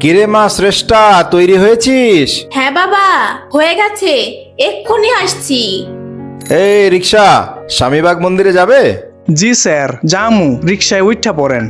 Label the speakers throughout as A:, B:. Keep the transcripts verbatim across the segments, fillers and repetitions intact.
A: কিরে মা শ্রেষ্ঠা, তৈরি হয়েছিস?
B: হ্যাঁ বাবা, হয়ে গেছে, এক্ষুনি আসছি।
A: এই রিক্সা, স্বামীবাগ মন্দিরে যাবে?
C: জি স্যার, জামু, রিক্সায় উঠা পড়েন।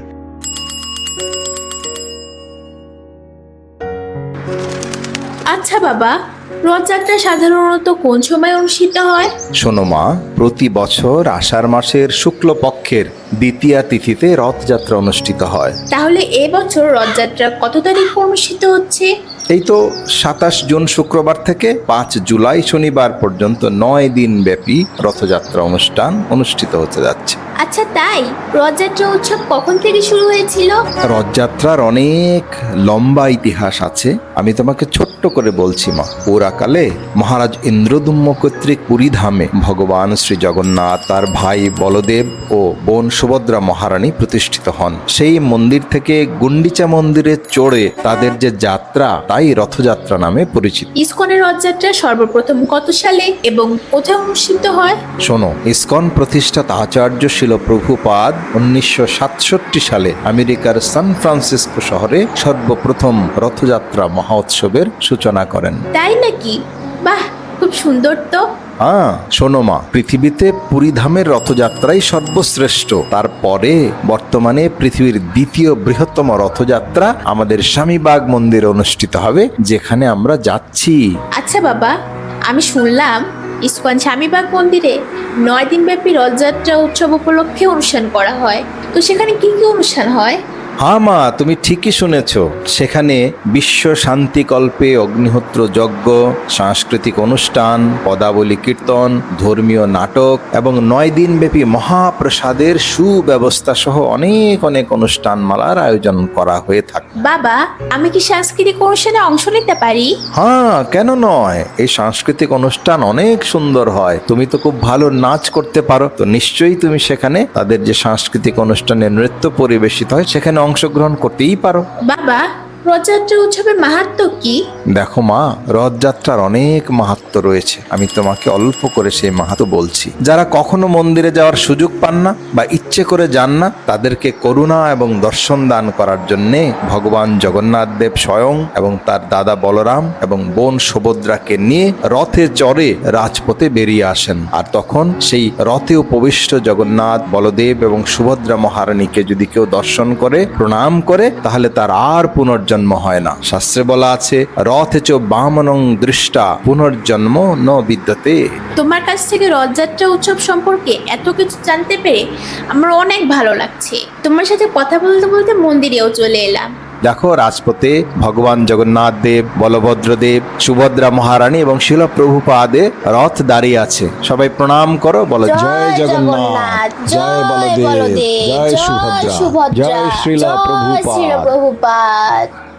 B: আচ্ছা বাবা, রথযাত্রা সাধারণত কোন সময় অনুষ্ঠিত হয়?
A: শোনো মা, প্রতি বছর আষাঢ় মাসের শুক্লপক্ষের দ্বিতীয়া তিথিতে রথযাত্রা অনুষ্ঠিত হয়।
B: তাহলে এবছর রথযাত্রা কত তারিখে অনুষ্ঠিত হচ্ছে?
A: এই তো সাতাশ জুন শুক্রবার থেকে পাঁচ জুলাই শনিবার পর্যন্ত নয় দিন ব্যাপী রথযাত্রা অনুষ্ঠান অনুষ্ঠিত হতে যাচ্ছে।
B: আচ্ছা তাই, রথযাত্রা উৎসব কখন থেকে শুরু হয়েছিল?
A: রথযাত্রার অনেক লম্বা ইতিহাস আছে, আমি তোমাকে ছোট্ট করে বলছি মা। পুরাকালে মহারাজ ইন্দ্রদুম্ন কর্তৃক পুরী ধামে ভগবান শ্রী জগন্নাথ, তার ভাই বলদেব ও বোন সুভদ্রা মহারানী প্রতিষ্ঠিত হন। সেই মন্দির থেকে গুন্ডিচা মন্দিরে চড়ে তাদের যে যাত্রা, তাই রথযাত্রা নামে পরিচিত।
B: ইসকনের রথযাত্রা সর্বপ্রথম কত সালে এবং কোথায় অনুষ্ঠিত হয়?
A: শোনো, ইসকন প্রতিষ্ঠাতা আচার্য শিল প্রভুপাদ উনিশশো সাতষট্টি সালে আমেরিকার সান ফ্রান্সিসকো শহরে সর্বপ্রথম রথযাত্রা মহোৎসবের সূচনা করেন।
B: তাই নাকি? বাহ, খুব সুন্দর তো।
A: হ্যাঁ শোনো মা, পৃথিবীতে পুরীধামের রথযাত্রাই সর্বশ্রেষ্ঠ। তারপরে বর্তমানে পৃথিবীর দ্বিতীয় বৃহত্তম রথযাত্রা আমাদের স্বামীবাগ মন্দিরে অনুষ্ঠিত হবে, যেখানে আমরা যাচ্ছি।
B: আচ্ছা বাবা, আমি শুনলাম ইসকন স্বামীবাগ মন্দিরে নয় দিন ব্যাপী রথযাত্রা উৎসব উপলক্ষে অনুষ্ঠান করা হয়, তো সেখানে কি কি অনুষ্ঠান হয়?
A: হ্যাঁ মা, তুমি ঠিকই শুনেছ। সেখানে বিশ্ব শান্তিকল্পে অগ্নিহোত্র যজ্ঞ, সাংস্কৃতিক অনুষ্ঠান, পদাবলী কীর্তন, ধর্মীয় নাটক এবং নয় দিন ব্যাপী মহাপ্রসাদের সুব্যবস্থা সহ অনেক অনেক অনুষ্ঠানমালার আয়োজন করা হয়ে থাকে।
B: বাবা, আমি কি সাংস্কৃতিক অনুষ্ঠানে অংশ নিতে পারি?
A: হ্যাঁ, কেন নয়? এই সাংস্কৃতিক অনুষ্ঠান অনেক সুন্দর হয়। তুমি তো খুব ভালো নাচ করতে পারো, তো নিশ্চয়ই তুমি সেখানে তাদের যে সাংস্কৃতিক অনুষ্ঠানে নৃত্য পরিবেশিত হয় সেখানে অংশগ্রহণ করতেই পারো।
B: বাবা, রথযাত্রা উৎসবের মাহাত্ম্য কি?
A: দেখো মা, রথযাত্রার অনেক মাহাত্ম্য রয়েছে। আমি তোমাকে অল্প করে সেই মাহাত্ম্য বলছি। যারা কখনো মন্দিরে যাওয়ার সুযোগ পান না বা ইচ্ছে করে যান না, তাদেরকে করুণা এবং দর্শন দান করার জন্যে ভগবান জগন্নাথ দেব স্বয়ং এবং তার দাদা বলরাম এবং বোন সুভদ্রাকে নিয়ে রথে চড়ে রাজপথে বেরিয়ে আসেন। আর তখন সেই রথে উপবিষ্ট জগন্নাথ, বলদেব এবং সুভদ্রা মহারানীকে যদি কেউ দর্শন করে, প্রণাম করে, তাহলে তার আর পুনর্জন্ম জন্ম হয় না। শাস্ত্রে বলা আছে, রথে চ বামনং দৃষ্টা পুনর্জন্ম ন বিদ্যতে।
B: তোমার কাছ থেকে রথযাত্রা উৎসব সম্পর্কে এত কিছু জানতে পেরে আমার অনেক ভালো লাগছে। তোমার সাথে কথা বলতে বলতে মন্দিরেও চলে এলাম।
A: দেখো, রাজপথে ভগবান জগন্নাথ দেব, বলভদ্র দেব, সুভদ্রা মহারানী এবং শিল প্রভুপাদে রথ দাঁড়িয়ে আছে। সবাই প্রণাম করো, বলো জয় জগন্নাথ, জয় বলদেব, জয় সুভদ্রা, জয় শ্রীল প্রভুপাদ।